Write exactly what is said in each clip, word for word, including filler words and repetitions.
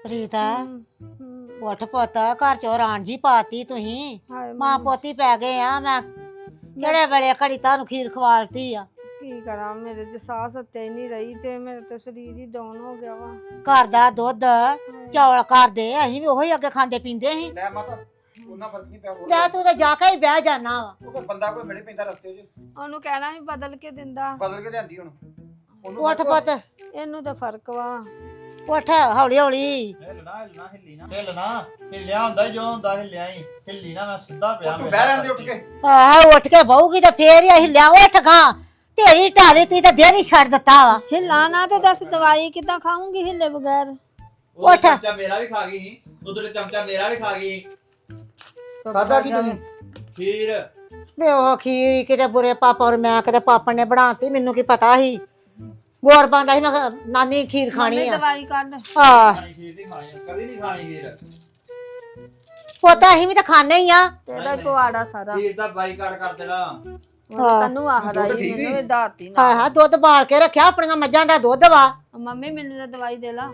ਪ੍ਰੀਤ ਹਮ, ਹਮ, ਉੱਠ ਪੁੱਤ ਘਰ ਚੋਂ ਰਾਂਝੀ ਪਾਤੀ ਤੁਸੀਂ ਹਾਏ ਮਾਂ ਮੰਮੀ, ਪੋਤੀ ਪੈ ਗਏ ਆ ਮੈਂ ਮੈਂ ਕਿਹੜੇ ਵੇਲੇ ਘੜੀ ਤੁਹਾਨੂੰ ਖੀਰ ਖਵਾਲਤੀ ਆ ਕੀ ਕਰਾਂ, ਮੇਰੇ ਚ ਸਾਹ ਸੱਤੇ ਨਹੀਂ ਰਹੀ ਤੇ ਮੇਰੇ ਤੇ ਸਰੀਰ ਹੀ ਡਾਊਨ ਹੋ ਗਿਆ ਵਾ। ਘਰ ਦਾ ਦੁੱਧ ਹਾਏ, ਚੌਲ ਕਰਦੇ ਅਸੀਂ ਵੀ ਉਹੀ ਅੱਗੇ ਖਾਂਦੇ ਪੀਂਦੇ ਸੀ ਲੈ ਮਾਤਾ ਉਹਨਾਂ ਫਰਕ ਨਹੀਂ ਪਿਆ ਹੋਰ ਲੈ ਤੂੰ ਤੇ ਜਾ ਕੇ ਹੀ ਬਹਿ ਜਾਣਾ ਵਾ ਉਹ ਕੋਈ ਬੰਦਾ ਕੋਈ ਮਿਲੇ ਪੈਂਦਾ ਰਸਤੇ 'ਚ ਉਹਨੂੰ ਕਹਿਣਾ ਵੀ ਬਦਲ ਕੇ ਦਿੰਦਾ। ਬਦਲ ਕੇ ਲਿਆਂਦੀ ਹੁਣ ਉਹਨੂੰ ਉੱਠ ਫਰਕ ਵਾ। ਪੁੱਤ ਇਹਨੂੰ ਤਾਂ ਫਰਕ ਵਾ। ਉੱਠ ਹੌਲੀ ਹੌਲੀ ਹਿੱਲਣਾ ਹਿੱਲਣਾ ਹਿੱਲੀ ਨਾ ਹਿੱਲਣਾ ਹਿੱਲਿਆ ਹੁੰਦਾ ਈ ਜੋ ਹੁੰਦਾ ਹਿੱਲਿਆ ਹੀ ਹਿੱਲੀ ਨਾ ਮੈਂ ਸਿੱਧਾ ਪਿਆ ਤੂੰ ਬਹਿ ਰਹਿਣ ਦੇ ਉੱਠ ਕੇ ਆਹ ਉੱਠ ਕੇ ਬਹੂਗੀ ਤੇ ਫੇਰ ਹੀ ਅਸੀਂ ਲਿਆ ਉੱਠ ਗਾ ਢੇਰੀ ਢਾਲੀ ਤੀ ਤੇ ਦੇਰ ਹੀ ਛੱਡ ਦਿੱਤਾ ਵਾ ਹਿੱਲਾ ਨਾ ਤੇ ਦੱਸ ਦਵਾਈ ਕਿੱਦਾਂ ਖਾਉਂਗੀ ਹਿੱਲੇ ਬਗੈਰ। ਉਹ ਉੱਠ। ਚਮਚਾ ਮੇਰਾ ਵੀ ਖਾ ਗਈ ਸੀ ਉਧਰ ਚਮਚਾ ਮੇਰਾ ਵੀ ਖਾ ਗਈ ਖਾਦਾ ਕੀ ਤੁਸੀਂ ਖੀਰ ਤੇ ਉਹ ਖੀਰ ਕਿਤੇ ਬੁਰੇ ਪਾਪਾ ਔਰ ਮੈਂ ਕਿਤੇ ਪਾਪਾ ਨੇ ਬਣਾਤੀ ਮੈਨੂੰ ਕੀ ਪਤਾ ਸੀ ਗੋਰ ਬੰਦਾ ਸੀ ਮੈਂ ਕਿਹਾ, ਨਾਨੀ ਖੀਰ ਖਾਣੀ ਮੰਮੀ ਆ ਦਵਾਈ ਕੱਢ। ਆ ਖਾਣੀ ਖੀਰ ਨਹੀਂ ਖਾਣੀ ਕਦੀ ਨਹੀਂ ਖਾਣੀ ਖੀਰ ਪੋਤਾ ਅਸੀਂ ਵੀ ਤਾਂ ਖਾਣੇ ਹੀ ਆ ਤੇਰਾ ਹੀ ਪਵਾੜਾ ਸਾਰਾ। ਖੀਰ ਦਾ ਬਾਈਕਾਟ ਕਰ ਦੇਣਾ ਹਾਂ। ਤੈਨੂੰ ਆਹ ਰਾਈ ਦੁੱਧ ਠੀਕ ਮੈਨੂੰ ਨੀ? ਵੀ ਦਾਤੀ ਹਾਂ ਨਾ। ਹਾਂ ਦੁੱਧ ਬਾਲ ਕੇ ਰੱਖਿਆ ਆਪਣੀਆਂ ਮੱਝਾਂ ਦਾ ਦੁੱਧ ਵਾ ਮੰਮੀ ਮੈਨੂੰ ਤਾਂ ਦਵਾਈ ਦੇ ਲਾ।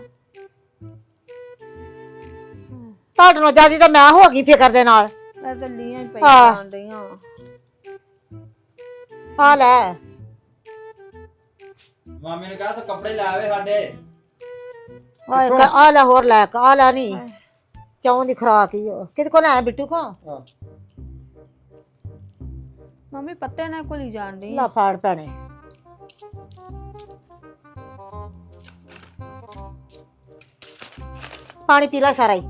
ਤੁਹਾਡੇ ਨਾਲ ਜਿਆਦੀ ਤਾਂ ਮੈਂ ਹੋ ਗਈ ਫਿਕਰ ਦੇ ਨਾਲ ਮੈਂ ਤਾਂ ਲੀਆਂ ਹੀ ਪਈ ਹਾਂ। ਜਾਣ ਡਈਆਂ ਵਾਂ। ਆ ਲੈ ਮਾਮੇ ਨੇ ਕਿਹਾ ਤੂੰ ਕੱਪੜੇ ਲੈ ਆਵੇ ਸਾਡੇ ਆ ਇੱਕ ਆ ਲੈ ਹੋਰ ਲੈ ਆ ਲੈ ਨਹੀਂ ਚੌਂ ਦੀ ਖਰਾਕ ਹੀ ਉਹ। ਕਿਹਦੇ ਕੋਲ ਆਇਆ ਬਿੱਟੂ ਕੋ ਹਾਂ ਮੰਮੀ ਪੱਤੇ ਨਾਲ ਘੁਲੀ ਜਾਣ ਡਈ। ਲਾ ਫਾੜ ਪੈਣੇ ਪਾਣੀ ਪੀ ਲੈ ਸਾਰਾ ਹੀ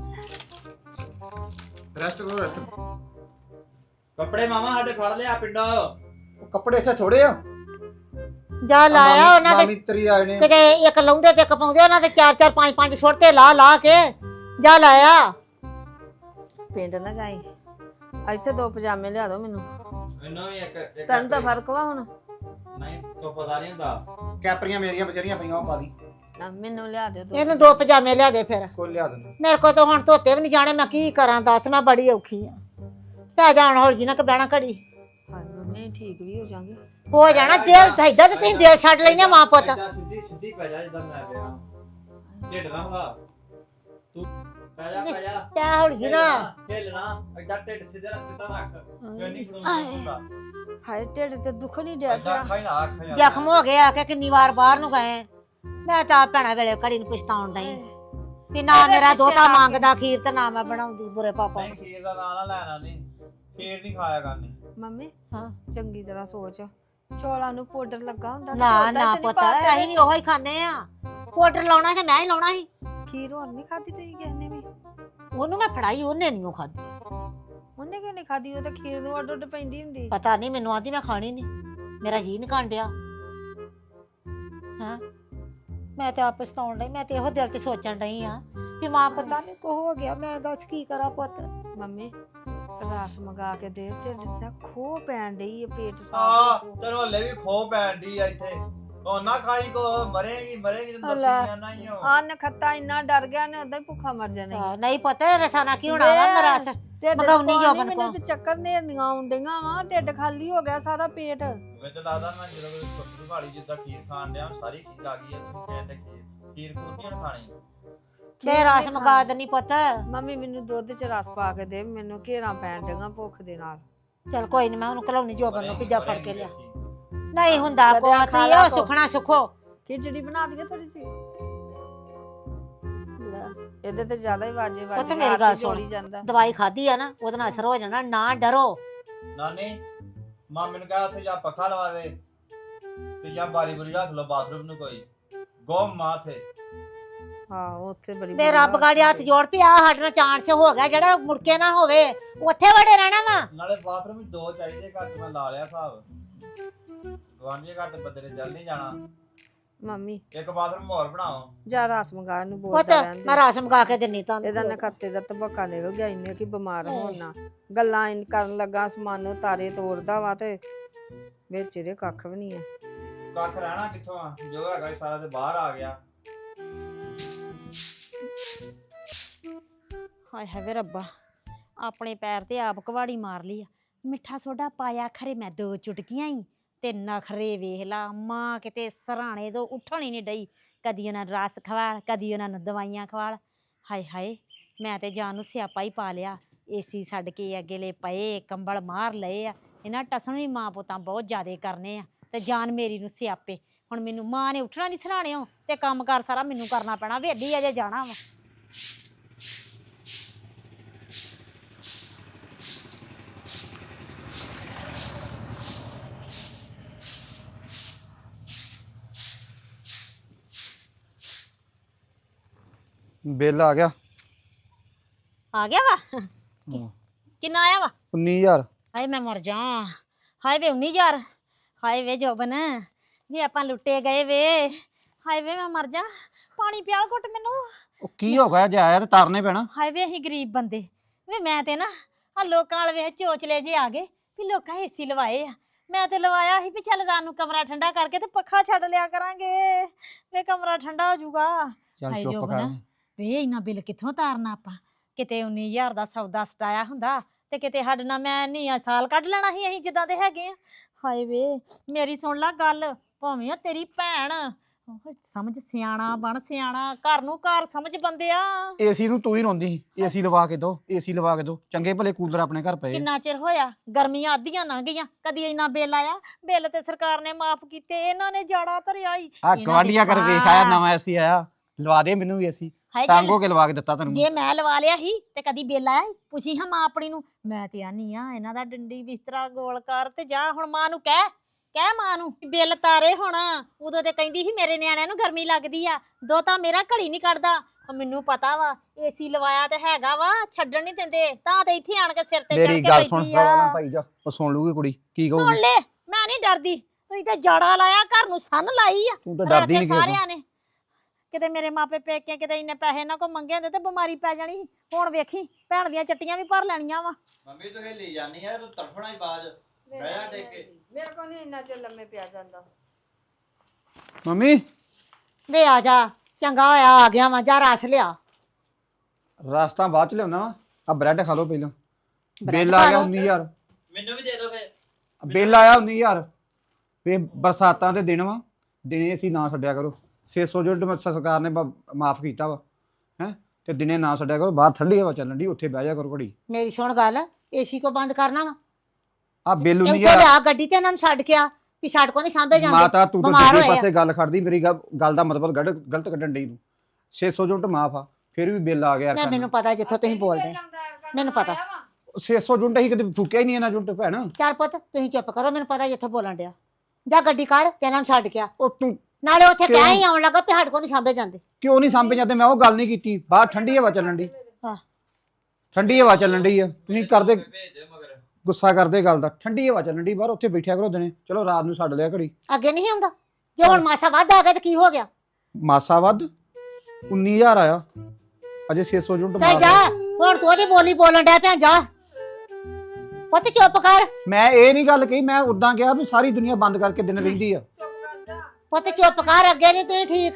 ਰੈਸਟ ਕਰੋ ਰੈਸਟ ਕੱਪੜੇ ਮਾਮਾ ਸਾਡੇ ਫੜ ਲਿਆ ਪਿੰਡੋਂ ਕੱਪੜੇ ਇੱਥੇ ਥੋੜੇ ਆ ਜਾ ਲਾਇਆ ਉਹਨਾਂ ਦੇ ਮਾਮੀ ਤੇਰੀ ਆਏ ਨੇ ਕਿਤੇ ਇੱਕ ਲਾਉਂਦੇ ਤੇ ਇੱਕ ਪਾਉਂਦੇ ਉਹਨਾਂ ਦੇ ਚਾਰ ਚਾਰ ਪੰਜ ਪੰਜ ਸੁੱਟਦੇ ਲਾ ਲਾ ਕੇ ਜਾ ਲਾਇਆ ਪਿੰਡ ਨਾ ਜਾਈ। ਇੱਥੇ ਦੋ ਪਜਾਮੇ ਲਿਆ ਦੋ ਮੈਨੂੰ। ਮੈਨੂੰ ਵੀ ਇੱਕ ਇੱਕ ਤੈਨੂੰ ਤਾਂ ਫਰਕ ਵਾ ਹੁਣ। ਨਹੀਂ ਤੋ ਪਤਾ ਨਹੀਂ ਹੁੰਦਾ ਕੈਪਰੀਆਂ ਮੇਰੀਆਂ ਬਚੜੀਆਂ ਪਈਆਂ ਉਹ ਪਾ ਦੀ ਨਾ ਮੈਨੂੰ ਲਿਆ ਦਿਓ ਦੋ। ਇਹਨੂੰ ਦੋ ਪਜਾਮੇ ਲਿਆ ਦੇ ਫਿਰ ਕੋਈ ਲਿਆ ਦਿੰਦਾ ਮੇਰੇ ਕੋਲ ਤਾਂ ਹੁਣ ਧੋਤੇ ਵੀ ਨਹੀਂ ਜਾਣੇ ਮੈਂ ਕੀ ਕਰਾਂ ਦੱਸ ਮੈਂ ਬੜੀ ਔਖੀ ਆ ਪੈ ਜਾਣ ਹੌਲੀ ਜੀ ਨਾ ਕਿ ਬਹਿਣਾ ਘੜੀ ਹਾਂ ਮੰਮੀ ਠੀਕ ਵੀ ਹੋ ਜਾਾਂਗੇ। ਹੋ ਜਾਣਾ ਦਿਲ ਢਾਈਦਾ ਤੇ ਤੁਸੀਂ ਦਿਲ ਛੱਡ ਲੈਨੇ ਮਾਂ ਪੁੱਤ ਏਦਾਂ ਸਿੱਧੀ ਸਿੱਧੀ ਪੈ ਜਾ ਜਿੱਦਾਂ ਮੈਂ ਪਿਆ ਢਿੱਡ ਨਾ ਹਿਲਾ ਤੂੰ ਪੈ ਜਾ ਪੈ ਜਾ ਪੈ ਹੌਲੀ ਜੀ ਨਾ ਹਿੱਲਣਾ ਏਦਾਂ ਢਿੱਡ ਸਿੱਧੇ ਨਾਲ ਸਿੱਧਾ ਰੱਖ ਗੰਨੀ ਖੜੂੰਦਾ ਹੁੰਦਾ ਹਾਏ ਢਿੱਡ ਤੇ ਦੁੱਖ ਨਹੀਂ ਡਿਆ ਏਦਾਂ ਪਿਆ। ਅੱਖਾਂ ਹੀ ਨਾ ਅੱਖਾਂ ਹੀ ਨਾ ਜ਼ਖਮ ਹੋ ਗਿਆ ਕਿ ਕਿੰਨੀ ਵਾਰ ਬਾਹਰ ਨੂੰ ਗਏ ਮੈਂ ਤਾਂ ਭੈਣਾ ਵੇਲੇ ਘੜੀ ਨੂੰ ਪਛਤਾਉਣ ਡਈ ਕਿ ਨਾ ਮੇਰਾ ਦੋਤਾ ਮੰਗਦਾ ਖੀਰ ਤੇ ਨਾ ਮੈਂ ਬਣਾਉਂਦੀ ਬੁਰੇ ਪਾਪਾ ਨਹੀਂ ਖੀਰ ਦਾ ਨਾਂ ਨਾ ਲੈਣਾ ਨਹੀਂ ਖੀਰ ਨਹੀਂ ਖਾਇਆ ਕਰਨੀ ਮੰਮੀ ਹਾਂ ਚੰਗੀ ਤਰ੍ਹਾਂ ਸੋਚ ਚੌਲਾਂ ਨੂੰ ਪਾਊਡਰ ਲੱਗਾ ਹੁੰਦਾ ਤੇ ਨਾ ਓਦਾਂ ਨਾ ਤੇ ਨੀ ਪੁੱਤ ਪਾ ਦੇਣਾ। ਅਸੀਂ ਵੀ ਉਹੋ ਹੀ ਖਾਣੇ ਆ ਪਾਊਡਰ ਲਾਉਣਾ ਤੇ ਮੈਂ ਹੀ ਲਾਉਣਾ ਸੀ ਖੀਰ ਹੋਰ ਨਹੀਂ ਖਾਦੀ ਤੇ ਕਿਸੇ ਨੇ ਵੀ। ਉਹਨੂੰ ਮੈਂ ਫੜਾਈ ਉਹਨੇ ਨਹੀਂ ਉਹ ਖਾਦੀ ਉਹਨੇ ਕਿਉਂ ਨਹੀਂ ਖਾਦੀ? ਉਹ ਤਾਂ ਖੀਰ ਨੂੰ ਅੱਡ ਅੱਡ ਪੈਂਦੀ ਹੁੰਦੀ। ਪਤਾ ਨਹੀਂ ਮੈਨੂੰ ਆਂਦੀ ਮੈਂ ਖਾਣੀ ਨਹੀਂ ਮੇਰਾ ਜੀ ਨਹੀਂ ਕਾਂਡਿਆ ਹਾਂ ਮੈਂ ਤੇ ਆਪ ਪਛਤਾਉਣ ਡਈ ਮੈਂ ਤੇ ਇਹੋ ਦਿਲ 'ਚ ਸੋਚਣ ਡਈ ਆ ਕਿ ਮਾਂ ਪਤਾ ਨਹੀਂ ਕੋ ਹੋ ਗਿਆ ਮੈਂ ਦੱਸ ਕੀ ਕਰਾਂ ਪੁੱਤ ਮੰਮੀ ਰਸ ਮੰਗਾ ਕੇ ਦੇ ਢਿੱਡ ਤੇ ਖੋ ਪੈਣ ਡਈ ਹੈ ਪੇਟ ਆ ਸਾਫ। ਤੈਨੂੰ ਹਲੇ ਵੀ ਖੋ ਪੈਣ ਦੀ ਆ ਇੱਥੇ ਉਹ ਨਾ ਖਾਈ ਕੋ ਮਰੇਗੀ ਮਰੇਗੀ ਤੈਨੂੰ ਲੈ। ਦੱਸੀ ਜਾਣਾ ਹੀ ਹੋ ਆ ਨਖੱਤਾ ਇੰਨਾ ਡਰ ਗਿਆ ਨੇ ਉਦਾਂ ਹੀ ਭੁੱਖਾ ਮਰ ਜਾਣਾ ਈ। ਹਾਂ, ਨਹੀਂ ਪੁੱਤ ਰਸਾਨਾ ਕੀ ਹੋਣਾ ਵਾ ਮੈਂ ਰਸ ਢਿੱਡ ਮੰਗਾਉਣੀ ਚ ਜੋ ਪਾਣੀ, ਬਣ ਮੈਨੂੰ ਕੋ ਤੇ ਚੱਕਰ ਨੇਰਨੀਆਂ ਆਉਂਦੀਆਂ ਵਾ ਢਿੱਡ ਖਾਲੀ ਹੋ ਗਿਆ ਸਾਰਾ ਪੇਟ। ਮੈਨੂੰ ਤਾਂ ਲੱਗਦਾ ਮੈਂ ਜਦੋਂ ਕੋਈ ਛੋਟੀ ਭਾਲੀ ਜਿੱਦਾਂ ਖੀਰ ਖਾਣ ਡਿਆ ਸਾਰੀ ਖੀਰ ਆ ਗਈ ਹੈ ਤੁਸੀਂ ਕਹਿੰਦੇ ਖੀਰ ਖੀਰ ਖੂਰ ਨਹੀਂ ਖਾਣੀ ਮੈਂ ਰਸ ਮੰਗਾ ਦਨੀ ਪੁੱਤ ਮੰਮੀ ਮੈਨੂੰ ਦੁੱਧ ਚ ਰਸ ਪਾ ਕੇ ਦੇ, ਮੈਨੂੰ ਘੇਰਾਂ ਪੈਣ ਡੀਆਂ ਭੁੱਖ ਦੇ ਨਾਲ। ਚਲ ਕੋਈ ਨਹੀਂ ਮੈਂ ਉਹਨੂੰ ਘਲਾਉਣੀ ਜੋਬਨ ਨੂੰ ਪਿੱਜਾ ਫੜ ਕੇ ਮਰੇਂਗੀ ਲਿਆ ਦੇਖੀ। ਨਹੀਂ ਹੁੰਦਾ ਕਦੇ ਕੋਈ ਖਾ ਤੀ ਲਾ ਉਹ ਕੋ। ਸੁਖਣਾ ਸੁਖੋ ਖਿਚੜੀ ਬਣਾ ਦਈਏ ਥੋੜੀ ਜਿਹੀ। ਲੈ, ਇਹਦੇ ਤੇ ਜ਼ਿਆਦਾ ਹੀ ਵਾਜੇ ਵਾਜੇ ਪੁੱਤ ਮੇਰੀ ਗੱਲ ਸੁਣ। ਜਾਂਦਾ। ਦਵਾਈ ਖਾਧੀ ਆ ਨਾ ਉਹਦੇ ਨਾਲ ਅਸਰ ਹੋ ਜਾਣਾ ਨਾ ਡਰੋ ਨਾਨੀ ਮਾਮੇ ਨੂੰ ਕਹਾ ਉੱਥੇ ਜਾ ਪੱਖਾ ਲਵਾ ਦੇ ਤੇ ਜਾਂ ਬਾਰੀ ਬੁਰੀ ਰੱਖ ਲਓ ਬਾਥਰੂਮ ਨੂੰ ਕੋਈ ਗੋ ਮਾਥੇ ਹਾਂ ਉੱਥੇ ਬੜੀ ਮੇ ਰੱਬ ਗਾੜੀ ਹੱਥ ਜੋੜ ਪਿਆ ਸਾਡੇ ਨਾਲ ਚਾਂਸ ਹੋ ਗਿਆ ਜਿਹੜਾ ਮੁੜ ਕੇ ਨਾ ਹੋਵੇ ਉੱਥੇ ਵੜੇ ਰਹਿਣਾ ਵਾ ਨਾਲੇ ਬਾਥਰੂਮ ਵਿੱਚ ਦੋ ਚਾਹੀਦੇ ਘਰ 'ਚ ਮੈਂ ਲਾ ਲਿਆ ਹਿਸਾਬ ਗਵਾਂਢੀ ਘਰ ਤੇ ਬੰਦੇ ਨੇ ਜਲ ਨਹੀਂ ਜਾਣਾ ਮੰਮੀ ਇੱਕ ਬਾਥਰੂਮ ਹੋਰ ਬਣਾਓ ਜਾ ਰਸ ਮੰਗਾ ਨੂੰ ਪੁੱਤ ਬੋਲਦਾ ਰਹਿੰਦੇ। ਮੈਂ ਰਸ ਮੰਗਾ ਕੇ ਦਿੰਨੀ ਤੁਹਾਨੂੰ ਇਹਦਾ ਨਖੱਤੇ ਦਾ ਤਬਕਾ ਨਿਕਲ ਗਿਆ ਇੰਨੇ ਕਿ ਬਿਮਾਰ ਹੋਣਾ ਗੱਲਾਂ ਇਨ ਕਰਨ ਲੱਗਾ ਸਮਾਨੋ ਤਾਰੇ ਤੋੜਦਾ ਵਾ ਤੇ ਵਿੱਚ ਇਹਦੇ ਕੱਖ ਵੀ ਨਹੀਂ ਆ। ਕੱਖ ਰਹਿਣਾ ਕਿੱਥੋਂ ਆ ਜੋ ਹੈਗਾ ਸਾਰਾ ਤੇ ਬਾਹਰ ਆ ਗਿਆ ਹਾਏ ਹਾਏ ਵੇ ਰੱਬਾ ਆਪਣੇ ਪੈਰ ਤੇ ਆਪ ਕੁਹਾੜੀ ਮਾਰ ਲਈ ਆ ਮਿੱਠਾ ਸੋਡਾ ਪਾਇਆ ਖਰੇ ਮੈਂ ਦੋ ਚੁਟਕੀਆਂ ਹੀ ਤੇ ਨਖਰੇ ਵੇਖ ਲਾ ਮਾਂ ਕਿਤੇ ਸਰਾਣੇ ਤੋਂ ਉੱਠਣ ਹੀ ਨਹੀਂ ਡਈ ਕਦੀ ਉਹਨਾਂ ਨੂੰ ਰਸ ਖਵਾਲ ਕਦੀ ਉਹਨਾਂ ਨੂੰ ਦਵਾਈਆਂ ਖਵਾਲ ਹਾਏ ਹਾਏ ਮੈਂ ਤੇ ਜਾਨ ਨੂੰ ਸਿਆਪਾ ਹੀ ਪਾ ਲਿਆ। ਏਸੀ ਛੱਡ ਕੇ ਅਗੇਲੇ ਪਏ, ਕੰਬਲ ਮਾਰ ਲਏ ਆ। ਇਹਨਾਂ ਟਸਣ ਵੀ ਮਾਂ ਪੁੱਤਾਂ ਬਹੁਤ ਜ਼ਿਆਦੇ ਕਰਨੇ ਆ ਤੇ ਜਾਨ ਮੇਰੀ ਨੂੰ ਸਿਆਪੇ। ਹੁਣ ਮੈਨੂੰ ਮਾਂ ਨੇ ਉੱਠਣਾ ਨਹੀਂ ਸਰਾਣਿਓ ਤੇ ਕੰਮ ਕਾਰ ਸਾਰਾ ਮੈਨੂੰ ਕਰਨਾ ਪੈਣਾ। ਵੇਲੀ ਅਜੇ ਜਾਣਾ ਵਾ। ਬਿੱਲ ਆ ਗਿਆ ਆ ਗਿਆ ਵਾ ਕਿੰਨਾ ਆਇਆ ਵਾ? ਉੱਨੀ ਹਜ਼ਾਰ। ਹਾਏ ਮੈਂ ਮਰ ਜਾ। ਹਾਏ ਵੇ ਉੱਨੀ ਹਜ਼ਾਰ। ਹਾਏ ਵੇ ਜੋਬਨ ਵੀ ਆਪਾਂ ਲੁੱਟੇ ਗਏ ਵੇ। ਹਾਏ ਵੇ ਮੈਂ ਮਰ ਜਾ। ਪਾਣੀ ਪਿਆਲ ਘੁੱਟ ਮੈਨੂੰ। ਉਹ ਕੀ ਹੋ ਗਿਆ ਜੇ ਆਇਆ ਤੇ ਤਰਨੇ ਪੈਣਾ। ਹਾਏ ਵੇ ਅਸੀਂ ਗਰੀਬ ਬੰਦੇ ਵੇ। ਮੈਂ ਤੇ ਨਾ ਆ ਲੋਕਾਂ ਵਾਲ ਵੇਖ ਚੋਚਲੇ ਜੇ ਆ ਗਏ ਵੀ ਲੋਕਾਂ ਏਸੀ ਲਵਾਏ ਆ। ਮੈਂ ਤੇ ਲਵਾਇਆ ਸੀ ਵੀ ਚੱਲ ਰਾਤ ਨੂੰ ਕਮਰਾ ਠੰਡਾ ਕਰਕੇ ਤੇ ਪੱਖਾ ਛੱਡ ਲਿਆ ਕਰਾਂਗੇ ਵੇ ਕਮਰਾ ਠੰਡਾ ਹੋ ਜਾਊਗਾ। ਚੱਲ ਹਾਏ ਚੁੱਪ ਜੋਬਨ ਕਰ। ਵੇ ਇੰਨਾ ਬਿੱਲ ਕਿੱਥੋਂ ਤਾਰਨਾ ਆਪਾਂ? ਕਿਤੇ ਉੱਨੀ ਹਜ਼ਾਰ ਦਾ ਸੌਦਾ ਸਟਾਇਆ ਹੁੰਦਾ ਤੇ ਕਿਤੇ ਸਾਡੇ ਨਾਲ ਮੈਂ ਨਹੀਂ ਸਾਲ ਕੱਢ ਲੈਣਾ ਸੀ ਅਸੀਂ ਜਿੱਦਾਂ ਦੇ ਹੈਗੇ ਆ। ਹਾਏ ਵੇ ਮੇਰੀ ਸੁਣ ਲੈ ਗੱਲ। ਭਾਵੇਂ ਤੇਰੀ ਭੈਣ ਸਮਝ ਸਿਆਣਾ ਬਣ ਸਿਆਣਾ। ਘਰ ਨੂੰ ਘਰ ਸਮਝ ਬੰਦਿਆ। ਏਸੀ ਨੂੰ ਤੂੰ ਹੀ ਰੋਂਦੀ ਸੀ ਏਸੀ ਲਵਾ ਕੇ ਦੋ ਏਸੀ ਲਵਾ ਕੇ ਦੋ। ਚੰਗੇ ਭਲੇ ਕੂਲਰ ਆਪਣੇ ਘਰ ਪਏ। ਕਿੰਨਾ ਚਿਰ ਹੋਇਆ ਗਰਮੀਆਂ ਅੱਧੀਆਂ ਲੰਘ ਗਈਆਂ ਕਦੀ ਇੰਨਾ ਬਿੱਲ ਆਇਆ? ਬਿੱਲ ਤੇ ਸਰਕਾਰ ਨੇ ਮਾਫ ਕੀਤੇ ਇਹਨਾਂ ਨੇ ਜਾੜਾ ਧਰਿਆ ਹੀ। ਆ ਗਵਾਂਢੀਆਂ ਕਰ ਵੇਖ ਆਇਆ ਨਵਾਂ ਏਸੀ ਆਇਆ ਲਵਾ ਦੇ ਮੈਨੂੰ ਵੀ ਏਸੀ। ਹਾਏ ਤੰਗ ਜੇ ਹੋ ਕੇ ਲਵਾ ਕੇ ਦਿੱਤਾ ਤੈਨੂੰ। ਜੇ ਮੈਂ ਲਵਾ ਲਿਆ ਸੀ ਤੇ ਕਦੀ ਬਿੱਲ ਆਇਆ ਸੀ? ਪੁੱਛੀ ਹਾਂ ਮਾਂ ਆਪਣੀ ਨੂੰ। ਮੈਂ ਤੇ ਆਨੀ ਆ ਇਹਨਾਂ ਦਾ ਡੰਡੀ ਬਿਸਤਰਾ ਗੋਲ ਕਰ ਤੇ ਜਾ ਹੁਣ ਮਾਂ ਨੂੰ ਕਹਿ ਕਹਿ ਮਾਂ ਨੂੰ ਬਿੱਲ ਤਾਰੇ ਹੁਣ। ਉਦੋਂ ਤੇ ਕਹਿੰਦੀ ਸੀ ਮੇਰੇ ਨਿਆਣਿਆਂ ਨੂੰ ਗਰਮੀ ਲੱਗਦੀ ਆ। ਦੋ ਤਾਂ ਮੇਰਾ ਘੜੀ ਨਹੀਂ ਕੱਢਦਾ। ਮੈਨੂੰ ਪਤਾ ਵਾ ਏਸੀ ਲਵਾਇਆ ਤੇ ਹੈਗਾ ਵਾ ਛੱਡਣ ਨਹੀਂ ਦਿੰਦੇ ਤਾਂ ਤੇ ਇੱਥੇ ਆਣ ਕੇ ਸਿਰ ਤੇ ਚੜ ਮੇਰੀ ਕੇ ਗੱਲ ਸੁਣ ਬੈਠੀ ਆ। ਨਾ ਭਾਈ ਜਾ ਉਹ ਸੁਣ ਲੂਗੀ ਕੁੜੀ ਕੀ ਸੁਣ ਕਹੂਗੀ। ਲੈ ਮੈਂ ਨਹੀਂ ਡਰਦੀ। ਤੁਸੀਂ ਤੇ ਜੜਾ ਲਾਇਆ ਘਰ ਨੂੰ ਸੰਨ ਲਾਈ ਆ। ਤੂੰ ਤਾਂ ਰਲ ਡਰਦੀ ਕੇ ਨਹੀਂ ਕਿਸੇ ਸਾਰਿਆਂ ਨੇ ਕਿਤੇ ਮੇਰੇ ਮਾਪੇ ਪੇਕੇ ਕਿਤੇ ਇੰਨੇ ਪੈਸੇ ਇਹਨਾਂ ਕੋ ਮੰਗੇ ਹੁੰਦੇ ਤੇ ਬਿਮਾਰੀ ਪੈ ਜਾਣੀ ਸੀ। ਹੁਣ ਵੇਖੀ ਭੈਣ ਦੀਆਂ ਚੱਟੀਆਂ ਵੀ ਭਰ ਲੈਣੀਆਂ ਵਾ। ਮੰਮੀ ਤੂੰ ਹਿੱਲੀ ਜਾਨੀ ਆ ਤੂੰ ਤੜਫਣਾ ਹੀ ਬਾਜ ਬਹਿ ਜਾ ਟੇਕ ਕੇ। ਮੇਰੇ ਕੋਲ ਨਹੀਂ ਇੰਨਾ ਚਿਰ ਲੰਮੇ ਪਿਆ ਜਾਂਦਾ। ਮੰਮੀ ਵੇ ਆ ਜਾ ਚੰਗਾ ਹੋਇਆ ਆ ਗਿਆ ਵਾ। ਜਾ ਰਸ ਲਿਆ। ਰਾਸਤਾ ਬਾਅਦ ਚ ਲਿਆਉਣਾ ਵਾ। ਆ ਬ੍ਰੈਡ ਖਾ ਲਓ ਪਹਿਲਾਂ। ਬ੍ਰੈਡ ਬਿੱਲ ਆ ਖਾ ਗਿਆ ਲਓ। ਉੱਨੀ ਹਜ਼ਾਰ। ਮੈਨੂੰ ਵੀ ਦੇ ਦਿਓ ਫੇਰ। ਬਿੱਲ ਆਇਆ ਉੱਨੀ ਹਜ਼ਾਰ। ਵੇ ਬਰਸਾਤਾਂ ਦੇ ਦਿਨ ਵਾ ਦਿਨੇ ਅਸੀਂ ਨਾ ਛੱਡਿਆ ਕਰੋ। ਛੇ ਸੌ ਯੂਨਿਟ ਸਰਕਾਰ ਨੇ ਮਾਫ ਕੀਤਾ ਵਾ ਹੈ ਤੇ ਦਿਨੇ ਨਾ ਛੱਡਿਆ ਕਰੋ। ਬਾਹਰ ਠੰਡੀ ਹਵਾ ਚੱਲਣ ਦੀ ਉੱਥੇ ਬਹਿ ਜਾ ਕਰੋ ਘੜੀ। ਮੇਰੀ ਸੁਣ ਗੱਲ ਏਸੀ ਕੋ ਬੰਦ ਕਰਨਾ ਵਾ। ਆ ਬਿੱਲ ਤੇ ਉੱਨੀ ਉੱਤੋਂ ਹਜ਼ਾਰ। ਲਿਆ ਗੱਡੀ ਤੇ ਇਹਨਾਂ ਨੂੰ ਛੱਡ ਕੇ ਆ ਵੀ ਛੱਡ ਕੋ ਨਹੀਂ ਸਾਂਭੇ ਜਾਂਦੇ। ਮਾਤਾ ਤੂੰ ਤਾਂ ਬਿਮਾਰ ਦੂਜੇ ਹੋਏ ਆ। ਪਾਸੇ ਗੱਲ ਖੜਦੀ ਮੇਰੀ ਗੱਲ ਗੱਲ ਦਾ ਮਤਲਬ ਗਲਤ ਗਲਤ ਕੱਢਣ ਡਈ ਤੂੰ। ਛੇ ਸੌ ਯੂਨਿਟ ਮਾਫ ਆ ਫਿਰ ਵੀ ਬਿੱਲ ਆ ਗਿਆ ਮੈਂ ਯਾਰ। ਮੈਨੂੰ ਪਤਾ ਜਿੱਥੋਂ ਤੁਸੀਂ ਬੋਲਦੇ ਮੈਨੂੰ ਪਤਾ। ਛੇ ਸੌ ਯੂਨਿਟ ਹੀ ਕਦੇ ਫੂਕਿਆ ਹੀ ਨਹੀਂ ਇਹਨਾਂ ਯੂਨਿਟ ਭੈਣ। ਚੱਲ ਪੁੱਤ ਤੁਸੀਂ ਚੁੱਪ ਕਰੋ। ਮੈਨੂੰ ਪਤਾ ਜਿੱਥੋਂ ਬੋਲਣ ਡਿਆ। ਜਾ ਗੱਡੀ ਕਰ ਤੇ ਇਹਨਾਂ ਨੂੰ ਛੱਡ ਕੇ ਆ। ਉਹ ਤੂੰ ਨਾਲੇ ਉੱਥੇ ਕਿਉਂ? ਕਹਿ ਹੀ ਆਉਣ ਲੱਗਾ ਵੀ ਸਾਡੇ ਕੋ ਨਹੀਂ ਸਾਂਭੇ ਜਾਂਦੇ। ਕਿਉਂ ਨਹੀਂ ਸਾਂਭੇ ਜਾਂਦੇ? ਮੈਂ ਉਹ ਗੱਲ ਨਹੀਂ ਕੀਤੀ। ਬਾਹਰ ਠੰਡੀ ਹਵਾ ਚੱਲਣ ਡਈ। ਹਾਂ ਠੰਡੀ ਹਵਾ ਚੱਲਣ ਡਈ ਆ ਤੁਸੀਂ ਕਰਦੇ ਭੇਜ ਦਿਓ ਮਗਰ। ਗੁੱਸਾ ਕਰਦੇ ਗੱਲ ਦਾ। ਠੰਡੀ ਹਵਾ ਚੱਲਣ ਡਈ ਬਾਹਰ ਉੱਥੇ ਬੈਠਿਆ ਕਰੋ ਦਿਨੇ। ਚਲੋ ਰਾਤ ਨੂੰ ਛੱਡ ਲਿਆ ਘੜੀ। ਅੱਗੇ ਨਹੀਂ ਹੁੰਦਾ। ਜੇ ਹੁਣ ਮਾਸਾ ਵੱਧ ਆ ਗਿਆ ਤੇ ਕੀ ਹੋ ਗਿਆ? ਮਾਸਾ ਵੱਧ ਉੱਨੀ ਹਜ਼ਾਰ ਆਇਆ ਅਜੇ ਛੇ ਸੌ ਯੂਨਿਟ ਤੇ ਮਾਫ ਜਾ ਆ। ਹੁਣ ਤੂੰ ਉਹਦੀ ਬੋਲੀ ਬੋਲਣ ਡਿਆ ਪਿਆ। ਜਾ ਪੁੱਤ ਚੁੱਪ ਕਰ। ਮੈਂ ਇਹ ਨਹੀਂ ਗੱਲ ਕਹੀ। ਮੈਂ ਉਦਾਂ ਕਿਹਾ ਵੀ ਸਾਰੀ ਦੁਨੀਆ ਬੰਦ ਕਰਕੇ ਦਿਨ ਰਹਿੰਦੀ ਆ। ਪੁੱਤ ਚੁੱਪ ਕਰ। ਅੱਗੇ ਨਹੀਂ ਤੁਸੀਂ ਠੀਕ।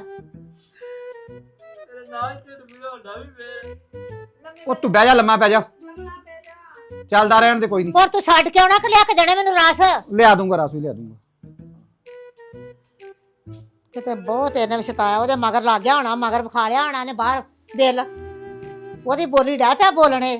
ਤੇਰੇ ਨਾਲ ਢਿੱਡ ਪੀੜ ਹੁੰਦਾ ਵੀ ਫੇਰ। ਉਹ ਤੂੰ ਬਹਿ ਜਾ ਲੰਮਾ ਪੈ ਜਾ। ਚੱਲਦਾ ਰਹਿਣ ਦੇ ਕੋਈ ਨਹੀਂ। ਹੁਣ ਤੂੰ ਛੱਡ ਕੇ ਆਉਣਾ ਕਿ ਲਿਆ ਕੇ ਦੇਣੇ ਮੈਨੂੰ ਰਸ? ਲਿਆ ਦੂੰਗਾ ਰਾਸੂ ਲਿਆ ਦੂੰਗਾ। ਕਿਤੇ ਬਹੁਤ ਇਹਨੇ ਸਤਾਇਆ। ਉਹਦੇ ਮਗਰ ਲੱਗ ਗਿਆ ਹੋਣਾ। ਮਗਰ ਵਿਖਾ ਲਿਆ ਹੋਣਾ ਨੇ ਬਾਹਰ ਬਿੱਲ। ਉਹਦੀ ਬੋਲੀ ਡਹਿ ਪਿਆ ਬੋਲਣੇ।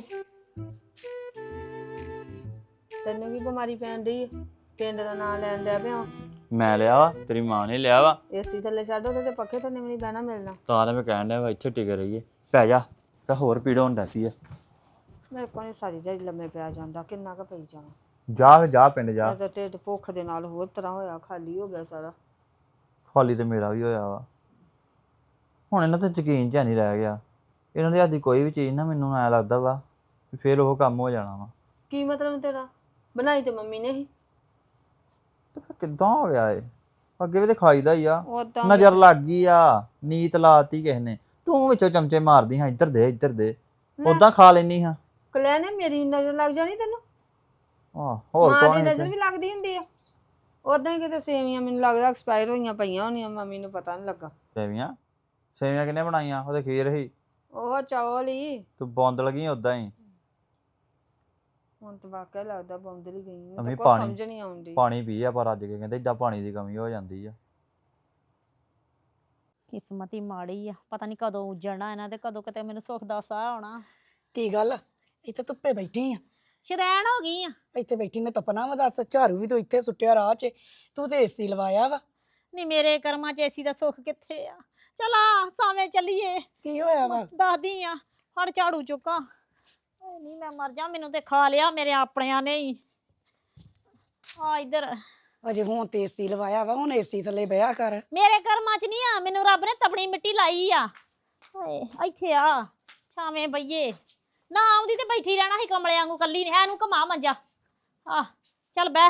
ਤੈਨੂੰ ਕੀ ਬਿਮਾਰੀ ਪੈਣ ਡਈ? ਪਿੰਡ ਦਾ ਨਾਂ ਲੈਣ ਡਿਆ ਪਿਆ। ਮੈਂ ਲਿਆ ਵਾ ਤੇਰੀ ਮਾਂ ਨੇ ਲਿਆ ਵਾ ਏਸੀ ਥੱਲੇ ਛੱਡ ਉਹਦੇ ਤੇ ਪੱਖੇ ਥੱਲੇ ਵੀ ਨਹੀਂ ਬਹਿਣਾ ਮਿਲਣਾ। ਤਾਂ ਮੈਂ ਕਹਿਣ ਡਿਆ ਵਾ ਇੱਥੇ ਟਿਕ ਰਹੀਏ। ਪੈ ਜਾ ਤਾਂ ਹੋਰ ਪੀੜ ਹੁੰਦਾ ਪਈ ਆ। ਮੇਰੇ ਕੋਲ ਨੀ ਸਾਰੀ ਦਿਹਾੜੀ ਲੰਮੇ ਪਿਆ ਜਾਂਦਾ। ਕਿੰਨਾ ਕੁ ਪਈ ਜਾਣਾ। ਜਾ ਜਾ ਪਿੰਡ ਜਾ। ਮੈਂ ਤਾਂ ਢਿੱਡ ਭੁੱਖ ਦੇ ਨਾਲ ਹੋਰ ਤਰ੍ਹਾਂ ਹੋਇਆ। ਖਾਲੀ ਹੋ ਗਿਆ ਸਾਰਾ। ਖਾਲੀ ਤੇ ਮੇਰਾ ਵੀ ਹੋਇਆ ਵਾ। ਹੁਣ ਇਹਨਾਂ ਤੇ ਯਕੀਨ ਜਿਹਾ ਨਹੀਂ ਰਹਿ ਗਿਆ। ਇਹਨਾਂ ਦੇ ਹੱਥ ਦੀ ਕੋਈ ਵੀ ਚੀਜ਼ ਨਾ ਮੈਨੂੰ ਐਂ ਲੱਗਦਾ ਵਾ ਵੀ ਫਿਰ ਉਹ ਕੰਮ ਹੋ ਜਾਣਾ ਵਾ। ਕੀ ਮਤਲਬ ਤੇਰਾ? ਬਣਾਈ ਤੇ ਮੰਮੀ ਨੇ ਹੀ। ਤੇ ਫਿਰ ਕਿੱਦਾਂ ਹੋ ਗਿਆ ਏ? ਅੱਗੇ ਵੀ ਤੇ ਖਾਈਦਾ ਹੀ ਆ। ਉਦਾਂ ਨਜ਼ਰ ਲੱਗ ਗਈ ਆ। ਨੀਤ ਲਾਤੀ ਕਿਸੇ ਨੇ। ਤੂੰ ਵਿੱਚੋਂ ਚਮਚੇ ਮਾਰਦੀ ਹਾਂ ਇੱਧਰ ਦੇ ਇੱਧਰ ਦੇ। ਉਦਾਂ ਖਾ ਲੈਣੀ ਹਾਂ। ਕਲਿਆ ਨੇ ਮੇਰੀ ਨਜ਼ਰ ਲੱਗ ਜਾਣੀ ਤੈਨੂੰ। ਆਹ ਹੋਰ ਮਾਂ ਦੀ ਕੌਣ ਨਜ਼ਰ ਵੀ ਲੱਗਦੀ ਹੁੰਦੀ ਆ। ਉਦਾਂ ਹੀ ਕਿਤੇ ਸੇਵੀਆਂ ਮੈਨੂੰ ਲੱਗਦਾ ਐਕਸਪਾਇਰ ਹੋਈਆਂ ਪਈਆਂ ਹੋਣੀਆਂ। ਮੰਮੀ ਨੂੰ ਪਤਾ ਨਹੀਂ ਲੱਗਾ। ਸੇਵੀਆਂ ਸੇਵੀਆਂ ਕਿਹਨੇ ਬਣਾਈਆਂ? ਉਹਦੇ ਖੀਰ ਹੀ। ਉਹ ਚੌਲ ਹੀ। ਤੂੰ ਬੌਂਦ ਲੱਗੀ ਉਦਾਂ ਹੀ। ਹੁਣ ਤਾਂ ਵਾਕਿਆ ਲੱਗਦਾ ਬੌਂਦਲੀ ਗਈ। ਮੈਨੂੰ ਮੰਮੀ ਤਾਂ ਕੁਛ ਪਾਣੀ- ਸਮਝ ਨਹੀਂ ਆਉਂਦੀ। ਪਾਣੀ ਪੀ ਆ ਪਰ ਅੱਜ ਕੇ ਕਹਿੰਦੇ ਏਦਾਂ ਪਾਣੀ ਦੀ ਕਮੀ ਹੋ ਜਾਂਦੀ ਆ। ਕਿਸਮਤ ਹੀ ਮਾੜੀ ਆ, ਪਤਾ ਨਹੀਂ ਕਦੋਂ ਉੱਜੜਨਾ ਇਹਨਾਂ ਤੇ, ਕਦੋਂ ਕਿਤੇ ਮੈਨੂੰ ਸੁੱਖ ਦਾ ਸਾਹ ਆਉਣਾ। ਕੀ ਗੱਲ ਇੱਥੇ ਧੁੱਪੇ ਬੈਠੀ ਆ? ਸ਼ਰੈਣ ਹੋ ਗਈ ਆ। ਇੱਥੇ ਬੈਠੀ ਨੇ ਤਪਨਾ ਵਾ ਦੱਸ, ਝਾੜੂ ਵੀ ਤੂੰ ਇੱਥੇ ਸੁੱਟਿਆ ਰਾਹ 'ਚ, ਤੂੰ ਤੇ ਏਸੀ ਲਵਾਇਆ ਵਾ। ਨਹੀਂ ਮੇਰੇ ਕਰਮਾਂ 'ਚ ਏਸੀ ਦਾ ਸੁੱਖ ਕਿੱਥੇ ਆ। ਚਲਾ ਸਾਵੇਂ ਚੱਲੀਏ। ਕੀ ਹੋਇਆ ਵਾ? ਦੱਸਦੀ ਆ, ਹੜ ਝਾੜੂ ਚੁੱਕਾਂ। ਓਏ ਨਹੀਂ ਮੈਂ ਮਰ ਜਾ, ਮੈਨੂੰ ਤੇ ਖਾ ਲਿਆ ਮੇਰੇ ਆਪਣਿਆਂ ਨੇ ਹੀ। ਆ ਇੱਧਰ ਅਜੇ ਹੁਣ ਤੇ ਏਸੀ ਲਵਾਇਆ ਵਾ, ਹੁਣ ਏਸੀ ਥੱਲੇ ਬਿਆ ਕਰ। ਮੇਰੇ ਕਰਮਾਂ 'ਚ ਨਹੀਂ ਆ, ਮੈਨੂੰ ਰੱਬ ਨੇ ਤਪਣੀ ਮਿੱਟੀ ਲਾਈ ਆ। ਓਏ ਇੱਥੇ ਆ ਛਾਵੇਂ ਬਈਏ ਨਾ, ਆਉਂਦੀ ਤੇ ਬੈਠੀ ਰਹਿਣਾ ਸੀ ਕਮਲੇ ਵਾਂਗੂ ਕੱਲੀ ਨੇ। ਇਹਨੂੰ ਘਮਾ ਮੰਜਾ। ਆ ਚੱਲ ਬਹਿ।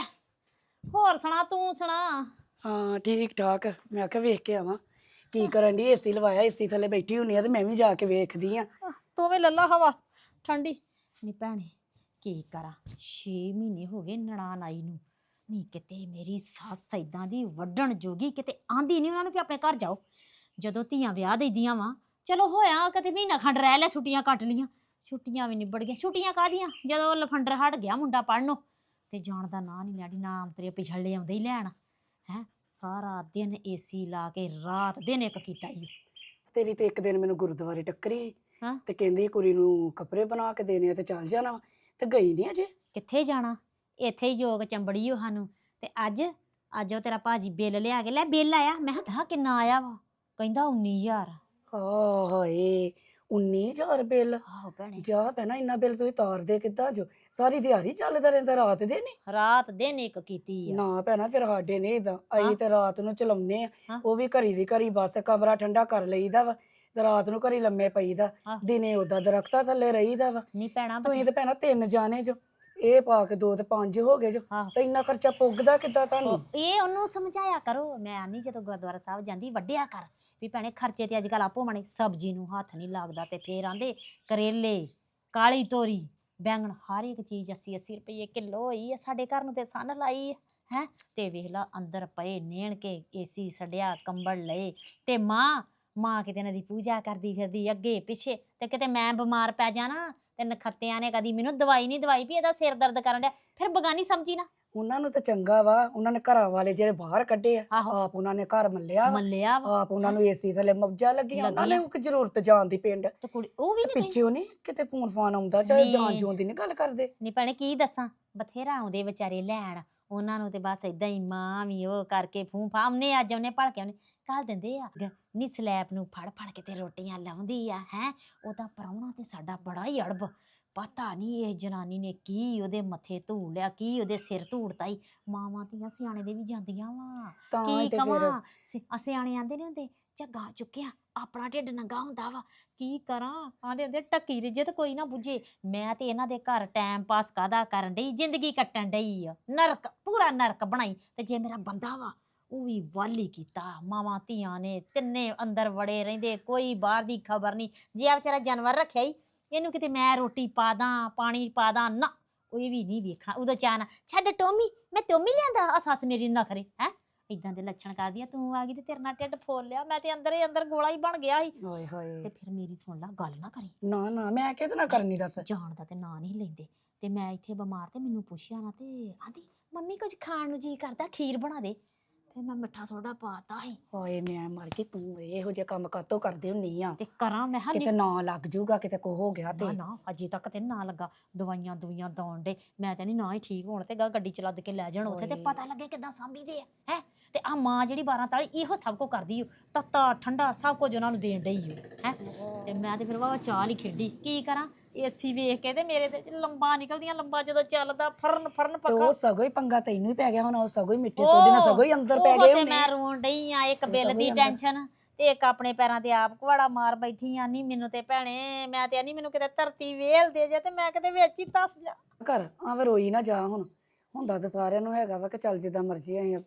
ਹੋਰ ਸੁਣਾ, ਤੂੰ ਸੁਣਾ। ਹਾਂ ਠੀਕ ਠਾਕ। ਮੈਂ ਕਿਹਾ ਵੇਖ ਕੇ ਆਵਾਂ ਕੀ ਕਰਨ ਦੀ। ਏਸੀ ਲਵਾਇਆ, ਏਸੀ ਥੱਲੇ ਬੈਠੀ ਹੁੰਨੀ ਆ ਤੇ ਮੈਂ ਵੀ ਜਾ ਕੇ ਵੇਖਦੀ ਆ। ਤੂੰ ਵੀ ਲੱਲਾ ਹਵਾ ਠੰਡੀ। ਨੀ ਭੈਣੇ ਕੀ ਕਰਾਂ, ਛੇ ਮਹੀਨੇ ਹੋ ਗਏ ਨਨਾਣ ਆਈ ਨੂੰ। ਨੀ ਕਿਤੇ ਮੇਰੀ ਸੱਸ ਏਦਾਂ ਦੀ ਵੱਢਣ ਜੋਗੀ, ਕਿਤੇ ਆਂਦੀ ਨਹੀਂ ਉਹਨਾਂ ਨੂੰ ਵੀ ਆਪਣੇ ਘਰ ਜਾਓ। ਜਦੋਂ ਧੀਆਂ ਵਿਆਹ ਦੇਦੀਆਂ ਵਾ, ਚਲੋ ਹੋਇਆ ਕਦੇ ਮਹੀਨਾ ਖੰਡ ਰਹਿ ਲਿਆ, ਛੁੱਟੀਆਂ ਕੱਟ ਲੀਆਂ। ਛੁੱਟੀਆਂ ਵੀ ਨਿਬੜ ਗਈਆਂ। ਛੁੱਟੀਆਂ ਕਾਹਦੀਆਂ, ਜਦੋਂ ਲਫੰਡਰ ਹਟ ਗਿਆ ਮੁੰਡਾ ਪੜ੍ਹਨੋਂ ਤੇ ਜਾਣ ਦਾ ਨਾਂ ਨਹੀਂ ਲੈਣੀ। ਨਾਮ ਤੇਰੇ ਪਿਛਲੇ ਆਉਂਦੇ ਹੀ ਲੈਣ ਹੈ। ਸਾਰਾ ਦਿਨ ਏਸੀ ਲਾ ਕੇ ਰਾਤ ਦਿਨ ਇੱਕ ਕੀਤਾ ਹੀ। ਤੇਰੀ ਤੇ ਇੱਕ ਦਿਨ ਮੈਨੂੰ ਗੁਰਦੁਆਰੇ ਟੱਕਰੀ ਹਾਂ। ਤੇ ਕਹਿੰਦੀ ਕੁੜੀ ਨੂੰ ਕੱਪੜੇ ਬਣਾ ਕੇ ਦੇਣੇ ਆ ਤੇ ਚੱਲ ਜਾਣਾ ਵਾ, ਤੇ ਗਈ ਨਹੀਂ ਅਜੇ। ਕਿੱਥੇ ਜਾਣਾ, ਇੱਥੇ ਹੀ ਜੋਗ ਚੰਬੜੀ ਓ ਸਾਨੂੰ। ਤੇ ਅੱਜ ਅੱਜ ਉਹ ਤੇਰਾ ਭਾਜੀ ਬਿੱਲ ਲਿਆ ਕੇ ਲੈ। ਬਿੱਲ ਆਇਆ, ਮੈਂ ਕਿਹਾ ਕਿੰਨਾ ਆਇਆ ਵਾ? ਕਹਿੰਦਾ ਉੱਨੀ ਹਜ਼ਾਰ। ਹਾਂ ਹਾਏ ਉੱਨੀ ਹਜ਼ਾਰ ਬਿੱਲ। ਆਹੋ ਭੈਣੇ, ਜਾ ਭੈਣਾ ਇੰਨਾ ਬਿੱਲ ਤੁਸੀਂ ਤਾਰਦੇ ਕਿੱਦਾਂ ਜੋ? ਸਾਰੀ ਦਿਹਾੜੀ ਚੱਲਦਾ ਰਹਿੰਦਾ, ਰਾਤ ਦੇ ਨਹੀਂ? ਰਾਤ ਦਿਨ ਇੱਕ ਕੀਤੀ ਆ। ਨਾ ਭੈਣਾ ਫਿਰ ਸਾਡੇ ਨੇ ਇਦਾਂ, ਅਸੀਂ ਤੇ ਰਾਤ ਨੂੰ ਚਲਾਉਨੇ ਆ। ਹਾਂ। ਉਹ ਵੀ ਘਰੀ ਦੀ ਘਰੀ, ਬਸ ਕਮਰਾ ਠੰਡਾ ਕਰ ਲਈਦਾ ਵਾ ਤੇ ਰਾਤ ਨੂੰ ਘਰੀ ਲੰਮੇ ਪਈਦਾ। ਹਾਂ। ਦਿਨੇ ਉਦਾਂ ਦਰਖਤਾਂ ਥੱਲੇ ਰਹੀਦਾ ਵਾ। ਨਹੀਂ ਭੈਣਾ ਤੁਸੀਂ ਤੇ ਭੈਣਾ ਤਿੰਨ ਜਾਣੇ ਜੋ, ਇਹ ਪਾ ਕੇ ਦੋ ਤੇ ਪੰਜ ਹੋ ਗਏ ਜੋ, ਆਹੋ। ਤੇ ਇੰਨਾ ਖਰਚਾ ਪੁੱਗਦਾ ਕਿੱਦਾਂ ਤੁਹਾਨੂੰ? ਇਹ ਉਹਨੂੰ ਸਮਝਾਇਆ ਕਰੋ। ਮੈਂ ਨਹੀਂ ਜਦੋਂ ਗੁਰਦੁਆਰਾ ਸਾਹਿਬ ਜਾਂਦੀ ਵੱਡਿਆ ਕਰ ਵੀ ਭੈਣੇ ਖਰਚੇ ਤੇ ਅੱਜ ਕੱਲ ਆਪੋ ਮਣੇ। ਸਬਜ਼ੀ ਨੂੰ ਹੱਥ ਨਹੀਂ ਲੱਗਦਾ ਤੇ ਫੇਰ ਆਂਦੇ ਕਰੇਲੇ, ਕਾਲੀ ਤੋਰੀ, ਬੈਂਗਣ, ਹਰ ਇੱਕ ਚੀਜ਼ ਅੱਸੀ ਅੱਸੀ ਰੁਪਏ ਕਿਲੋ ਹੋਈ ਆ। ਸਾਡੇ ਘਰ ਨੂੰ ਤੇ ਸੰਨ ਲਾਈ ਹੈ। ਤੇ ਵੇਖ ਲਾ ਅੰਦਰ ਪਏ ਨੇਣ ਕੇ ਏਸੀ ਛੱਡਿਆ, ਕੰਬਲ ਲਏ। ਤੇ ਮਾਂ ਮਾਂ ਕਿਤੇ ਇਹਨਾਂ ਦੀ ਪੂਜਾ ਕਰਦੀ ਫਿਰਦੀ ਅੱਗੇ ਪਿੱਛੇ। ਤੇ ਕਿਤੇ ਮੈਂ ਬਿਮਾਰ ਪੈ ਜਾਣਾ ਤੇ ਨਖੱਤਿਆਂ ਨੇ ਕਦੀ ਮੈਨੂੰ ਦਵਾਈ ਨਹੀਂ ਦਵਾਈ ਵੀ ਇਹਦਾ ਸਿਰ ਦਰਦ ਕਰਨ ਡਿਆ, ਫਿਰ ਬਗਾਨੀ ਸਮਝੀ ਨਾ। ਉਹਨਾਂ ਨੂੰ ਤਾਂ ਚੰਗਾ ਵਾ, ਉਹਨਾਂ ਨੇ ਘਰਾਂ ਵਾਲੇ ਜਿਹੜੇ ਬਾਹਰ ਕੱਢੇ ਆ, ਆਹੋ। ਆਪ ਉਹਨਾਂ ਨੇ ਘਰ ਮੱਲਿਆ ਵਾ, ਮੱਲਿਆ ਵਾ ਆਪ ਉਹਨਾਂ ਨੂੰ ਏਸੀ ਥੱਲੇ ਮੌਜਾਂ ਲੱਗੀਆਂ। ਉਹਨਾਂ ਨੇ ਲੱਗੀਆਂ। ਕੋਈ ਜ਼ਰੂਰਤ ਜਾਣ ਦੀ ਪਿੰਡ ਤੇ ਕੁੜੀ ਉਹ ਵੀ ਨਹੀਂ ਪਿੱਛੇ ਨਹੀਂ ਕਿਤੇ ਫੋਨ ਫਾਨ ਆਉਂਦਾ, ਚਾਹੇ ਨਹੀਂ। ਜਾਣ ਜੂਣ ਦੀ ਨਹੀਂ ਗੱਲ ਕਰਦੇ। ਨਹੀਂ ਭੈਣੇ ਕੀ ਦੱਸਾਂ, ਬਥੇਰਾ ਆਉਂਦੇ ਵਿਚਾਰੇ ਲੈਣ। ਉਹਨਾਂ ਨੂੰ ਤੇ ਬਸ ਏਦਾਂ ਹੀ ਮਾਂ ਵੀ ਉਹ ਕਰਕੇ ਫੂੰ ਫਾ ਉਹਨੇ ਅੱਜ ਉਹਨੇ ਭਲਕੇ ਉਹਨੇ ਘੱਲ ਦਿੰਦੇ ਆ। ਨੀ ਸਲੈਬ ਨੂੰ ਫੜ ਫੜ ਕੇ ਤੇ ਰੋਟੀਆਂ ਲਾਉਂਦੀ ਆ ਹੈ। ਉਹਦਾ ਪ੍ਰਾਹੁਣਾ ਤੇ ਸਾਡਾ ਬੜਾ ਹੀ ਅੜਬ। ਪਤਾ ਨਹੀਂ ਇਹ ਜਨਾਨੀ ਨੇ ਕੀ ਉਹਦੇ ਮੱਥੇ ਧੂੜ ਲਿਆ, ਕੀ ਉਹਦੇ ਸਿਰ ਧੂੜਤਾ ਹੀ। ਮਾਵਾਂ ਧੀਆਂ ਸਿਆਣੇ ਦੇ ਵੀ ਜਾਂਦੀਆਂ ਵਾ। ਤਾਂ ਕੀ ਹੀ ਤੇ ਫਿਰ ਕਵਾਂ, ਸਿ- ਸਿਆਣੇ ਆਂਦੇ ਨਹੀਂ ਹੁੰਦੇ ਝੱਗਾ ਚੁੱਕਿਆ ਆਪਣਾ ਢਿੱਡ ਨੰਗਾ ਹੁੰਦਾ ਵਾ। ਕੀ ਕਰਾਂ, ਆਂਦੇ ਹੁੰਦੇ ਢੱਕੀ ਰਿੱਜੇ ਤੇ ਕੋਈ ਨਾ ਬੁੱਝੇ। ਮੈਂ ਤੇ ਇਹਨਾਂ ਦੇ ਘਰ ਟਾਈਮ ਪਾਸ ਕਾਹਦਾ ਕਰਨ ਡਈ, ਜ਼ਿੰਦਗੀ ਕੱਟਣ ਡਈ ਆ। ਨਰਕ ਪੂਰਾ ਨਰਕ ਬਣਾਈ। ਤੇ ਜੇ ਮੇਰਾ ਬੰਦਾ ਵਾ ਉਹ ਵੀ ਵਾਲੀ ਕੀਤਾ। ਮਾਵਾਂ ਧੀਆਂ ਨੇ ਤਿੰਨੇ ਅੰਦਰ ਵੜੇ ਰਹਿੰਦੇ, ਕੋਈ ਬਾਹਰ ਦੀ ਖਬਰ ਨਹੀਂ। ਜੇ ਆ ਵਿਚਾਰਾ ਜਾਨਵਰ ਰੱਖਿਆ ਹੀ, ਇਹਨੂੰ ਕਿਤੇ ਮੈਂ ਰੋਟੀ ਪਾ ਦਾਂ ਪਾਣੀ ਪਾ ਦਾਂ ਨਾ, ਉਹ ਵੀ ਨਹੀਂ ਵੇਖਣਾ। ਉਦੋਂ ਚਾਹਨਾ ਛੱਡ ਟੋਮੀ, ਮੈਂ ਟੋਮੀ ਲਿਆਂਦਾ। ਆ ਸੱਸ ਮੇਰੀ ਨਖਰੇ ਹੈ ਇਦਾਂ ਦੇ ਲੱਛਣ ਕਰਦੀ ਆ। ਤੂੰ ਆ ਗਈ ਤੇ ਤੇਰੇ ਨਾਲ ਢਿੱਡ ਫੋਲ ਲਿਆ। ਮੈਂ ਤੇ ਅੰਦਰ ਹੀ ਅੰਦਰ ਗੋਲਾ ਹੀ ਬਣ ਗਿਆ ਸੀ। ਹਾਏ ਹਾਏ। ਤੇ ਫਿਰ ਮੇਰੀ ਸੁਣ ਲਾ ਗੱਲ, ਨਾ ਕਰੀ ਨਾ ਨਾ ਮੈਂ ਕਿਹਦੇ ਨਾਲ ਕਰਨੀ ਦੱਸ? ਜਾਣ ਦਾ ਤੇ ਨਾਂ ਨਹੀਂ ਲੈਂਦੇ। ਤੇ ਮੈਂ ਇੱਥੇ ਬਿਮਾਰ ਤੇ ਮੈਨੂੰ ਪੁੱਛਿਆ ਨਾ ਤੇ ਆਂਦੀ ਮੰਮੀ ਕੁਝ ਖਾਣ ਨੂੰ ਜੀ ਕਰਦਾ, ਖੀਰ ਬਣਾ ਦੇ। ਫਿਰ ਮੈਂ ਮਿੱਠਾ ਸੋਡਾ ਪਾਤਾ ਸੀ। ਹਾਏ ਮੈਂ ਮਰ ਗਈ, ਤੂੰ ਇਹੋ ਜਿਹੇ ਕੰਮ ਕਾਤੋਂ ਕਰਦੀ ਹੁੰਨੀ ਆ? ਤੇ ਕਰਾਂ ਮੈਂ ਹਾਂ ਕਿਤੇ ਨਾ ਲੱਗ ਜੂਗਾ, ਕਿਤੇ ਕੋ ਹੋ ਗਿਆ ਨਾ ਤੇ। ਨਾ ਅਜੇ ਤੱਕ ਤੇ ਨਾ ਲੱਗਾ। ਦਵਾਈਆਂ ਦੁਈਆਂ ਦੌਣ ਡੇ। ਮੈਂ ਤਾਂ ਨਹੀਂ ਨਾ ਹੀ ਠੀਕ ਹੋਣ ਤੇ ਗਾ ਗੱਡੀ ਚ ਲੱਦ ਕੇ ਲੈ ਜਾਣ ਉੱਥੇ ਤੇ ਓਏ। ਪਤਾ ਲੱਗੇ ਕਿੱਦਾਂ ਸਾਂਭੀਦੇ ਆ ਹੈ। ਤੇ ਆ ਮਾਂ ਜਿਹੜੀ ਬਾਰਾਂ ਤਾਲੀ ਇਹੋ ਸਭ ਕੁਝ ਕਰਦੀ ਓ, ਤੱਤਾ ਠੰਡਾ ਸਭ ਕੁਝ ਉਹਨਾਂ ਨੂੰ ਦੇਣ ਡਈ ਓ ਹੈ। ਤੇ ਮੈਂ ਤੇ ਫਿਰ ਵਾਵਾ ਚਾਲ ਹੀ ਖੇਡੀ। ਕੀ ਕਰਾਂ, ਏਸੀ ਵੇਖ ਕੇ ਤੇ ਮੇਰੇ ਤੇ ਲੰਬਾ ਨਿਕਲਦੀਆਂ। ਲੰਬਾ ਜਦੋਂ ਚੱਲਦਾ ਫਰਨ ਫਰਨ ਤੇ ਪੱਖਾ। ਉਹ ਸਗੋਂ ਹੀ ਪੰਗਾ ਤੈਨੂੰ ਹੀ ਪੈ ਗਿਆ ਹੁਣ, ਉਹ ਸਗੋਂ ਹੀ ਮਿੱਠੇ ਸੋਡੇ ਨਾਲ ਸਗੋਂ ਹੀ ਅੰਦਰ ਪੈ ਗਏ ਤੇ ਹੋਣੇ। ਮੈਂ ਰੋਣ ਡਈ ਆ, ਇੱਕ ਉਹ ਬਿੱਲ ਸਗੋਂ ਦੀ ਹੀ ਅੰਦਰ। ਟੈਨਸ਼ਨ ਤੇ ਇੱਕ ਆਪਣੇ ਪੈਰਾਂ ਤੇ ਆਪ ਕੁਹਾੜਾ ਮਾਰ ਬੈਠੀ ਆ। ਨਹੀਂ ਮੈਨੂੰ ਤੇ ਭੈਣੇ, ਮੈਂ ਤੇ ਨਹੀਂ ਮੈਨੂੰ ਕਿਤੇ ਧਰਤੀ ਵੇਲ ਦੇ ਜੇ ਤੇ ਮੈਂ ਕਿਤੇ ਵਿੱਚ ਹੀ ਧਸ ਜਾ। ਘਰ ਆਵੇਂ ਰੋਈ ਨਾ ਜਾ। ਹੁਣ ਹੁੰਦਾ ਤਾਂ ਸਾਰਿਆਂ ਨੂੰ ਹੈਗਾ ਵਾ ਕਿ ਚੱਲ ਜਿੱਦਾਂ ਮਰਜ਼ੀ ਆਏ।